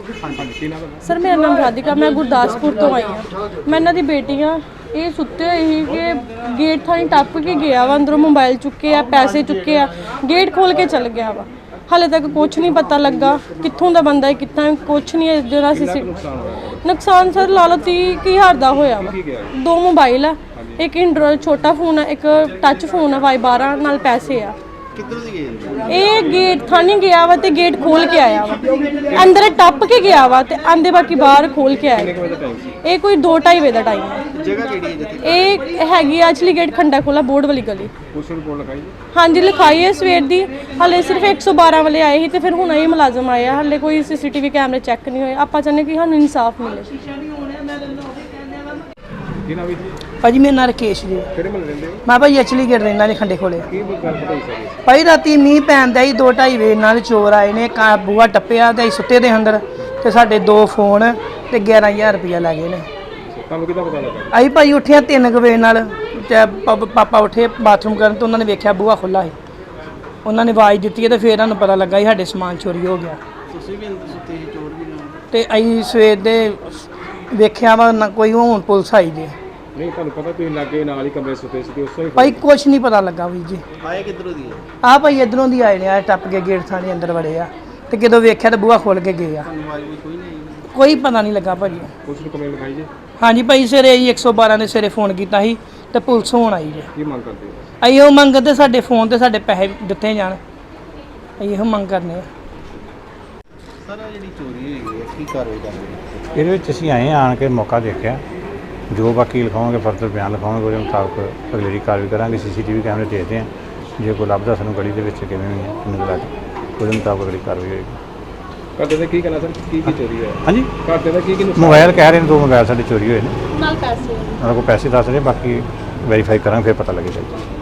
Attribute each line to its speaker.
Speaker 1: Sir मेरा नाम राधिका, मैं गुरदासपुर तो आई हाँ। मैं इन्हों की बेटी हाँ। ये सुते हुए ही कि गेट थानी टप के गया वा, अंदरों मोबाइल चुके आ, पैसे चुके आ, गेट खोल के चल गया वा। हाले तक कुछ नहीं पता लगा कित्थों दा बंदा है, कितना कुछ नहीं है। जो नुकसान सर ला लो 30,000 का होया वा। 2 मोबाइल है, एक एंड्रॉयड छोटा फोन है, एक टच फोन है Y12 नाल पैसे आ। ये गेट थानी गया वा ते गेट खोल के आया वा, अंदर टप के गया वा ते आंदे बाकी बाहर खोल के आया। ये कोई 2-2:30 बजे का टाइम है। ये हैगी एक्चुअली गेट खंडा खोला बोर्ड वाली गली। हाँ जी लिखाई है सवेर दी, हाले सिर्फ 112 वाले आए ही ते फिर हुण ये मुलाजम आया, हाले कोई CCTV कैमरे चैक नहीं होए। आपां चाहने कि सानूं इंसाफ मिले।
Speaker 2: भाजी मेरा नाम राकेश जी, मैं भाई एक्चुअली गेट रहना जी खंडे खोले। भाई राती मीह पैंदा ही 2-2:30 बजे नाल चोर आए ने, बूहा टप्पिया ते सुत्ते दे अंदर ते साडे 2 फोन ते 11,000 रुपया लै गए ने। असीं भाई उठे 3 बजे नाल, पापा उठे बाथरूम करन तो उन्होंने वेख्या बूहा खुला है, उन्होंने आवाज़ दी है तो फिर सानूं पता लगा साडे समान चोरी हो गया। ते असीं सवेर दे वेख्या वा ना कोई हुण पुलिस आई जी।
Speaker 3: नहीं ਤੁਹਾਨੂੰ ਪਤਾ ਤੁਸੀਂ ਲੱਗੇ ਨਾਲ ਹੀ ਕਮਰੇ ਸੁੱਤੇ ਸੀ ਉਸ ਤੋਂ ਹੀ
Speaker 2: भाई कुछ नहीं पता लगा भी जी।
Speaker 3: ਆਏ ਕਿੱਧਰੋਂ ਦੀ
Speaker 2: आ भाई इधरों दी आए ने, आ टप के गेट थाने अंदर वड़े आ ते जदों वेख्या तो बूहा खोल के गए आ। कोई पता नहीं लगा भाजी।
Speaker 3: ਪੁਲਿਸ ਨੂੰ ਕੰਪਲੇਂਟ ਲਿਖਾਈ ਜੀ?
Speaker 2: हाँ जी भाई सवेरे 112 ने सवेरे फोन किया ਸੀ ਤੇ ਪੁਲਿਸ ਹੁਣ ਆਈ ਜੀ।
Speaker 3: ਕੀ ਮੰਗ ਕਰਦੇ ਹੋ?
Speaker 2: ਅਸੀਂ ਉਹ ਮੰਗਦੇ ਸਾਡੇ ਫੋਨ ਤੇ ਸਾਡੇ ਪੈਸੇ ਦਿੱਤੇ ਜਾਣ, ਅਸੀਂ ਇਹੋ ਮੰਗ ਕਰਨੇ ਆ।
Speaker 3: ਸਰ ਜਿਹੜੀ ਚੋਰੀ ਹੋਈ ਹੈ ਕੀ ਕਾਰਵਾਈ ਕਰ ਰਹੇ ਹੋ?
Speaker 4: ਇਹਦੇ ਵਿੱਚ ਅਸੀਂ ਆਏ ਆਣ ਕੇ ਮੌਕਾ ਦੇਖਿਆ, ਜੋ ਬਾਕੀ ਲਿਖਾਵਾਂਗੇ ਫਰਦਰ ਬਿਆਨ ਲਿਖਾਵਾਂਗੇ, ਉਹਦੇ ਮੁਤਾਬਕ ਅਗਲੇਰੀ ਕਾਰਵਾਈ ਕਰਾਂਗੇ। CCTV ਕੈਮਰੇ ਦੇਖਦੇ ਹਾਂ, ਜੇ ਕੋਈ ਲੱਭਦਾ ਸਾਨੂੰ ਗਲੀ ਦੇ ਵਿੱਚ ਕਿਵੇਂ ਹੋਈ ਹੈ ਕਿੰਨੇ ਲੱਗ, ਉਹਦੇ ਮੁਤਾਬਕ ਅਗਲੀ ਕਾਰਵਾਈ ਹੋਏਗੀ।
Speaker 3: ਘਰ ਦੇ ਕੀ ਕਹਿਣਾ ਸਰ, ਕੀ ਚੋਰੀ ਹੋਇਆ?
Speaker 4: ਹਾਂਜੀ
Speaker 3: ਘਰ ਦਾ ਕੀ
Speaker 4: ਮੋਬਾਈਲ ਕਹਿ ਰਹੇ ਨੇ, 2 ਮੋਬਾਈਲ ਸਾਡੇ ਚੋਰੀ ਹੋਏ ਨੇ,
Speaker 1: नाल पैसे
Speaker 4: ਉਹਨਾਂ ਕੋਲ ਪੈਸੇ ਦੱਸ ਰਹੇ, ਬਾਕੀ ਵੈਰੀਫਾਈ ਕਰਾਂਗੇ ਫਿਰ ਪਤਾ ਲੱਗੇਗਾ।